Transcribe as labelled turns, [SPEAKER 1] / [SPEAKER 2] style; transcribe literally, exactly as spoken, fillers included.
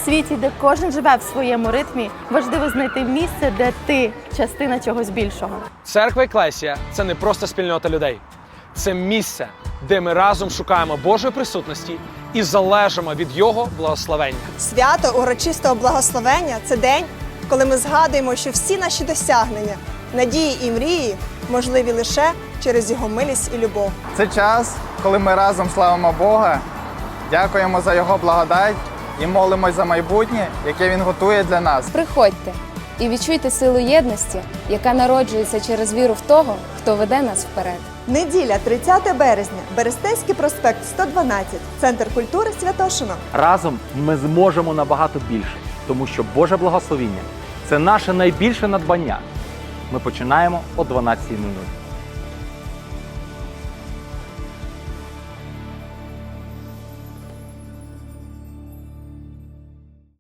[SPEAKER 1] світі, де кожен живе в своєму ритмі, важливо знайти місце, де ти частина чогось більшого.
[SPEAKER 2] Церква Еклесія – це не просто спільнота людей. Це місце, де ми разом шукаємо Божої присутності і залежимо від Його благословення.
[SPEAKER 3] Свято урочистого благословення – це день, коли ми згадуємо, що всі наші досягнення, надії і мрії можливі лише через Його милість і любов.
[SPEAKER 4] Це час, коли ми разом славимо Бога, дякуємо за Його благодать і молимось за майбутнє, яке Він готує для нас.
[SPEAKER 5] Приходьте і відчуйте силу єдності, яка народжується через віру в того, хто веде нас вперед.
[SPEAKER 3] Неділя, тридцяте березня, Берестейський проспект, сто дванадцять, Центр культури Святошино.
[SPEAKER 6] Разом ми зможемо набагато більше, тому що Боже благословіння – це наше найбільше надбання. Ми починаємо о дванадцятій нуль нуль.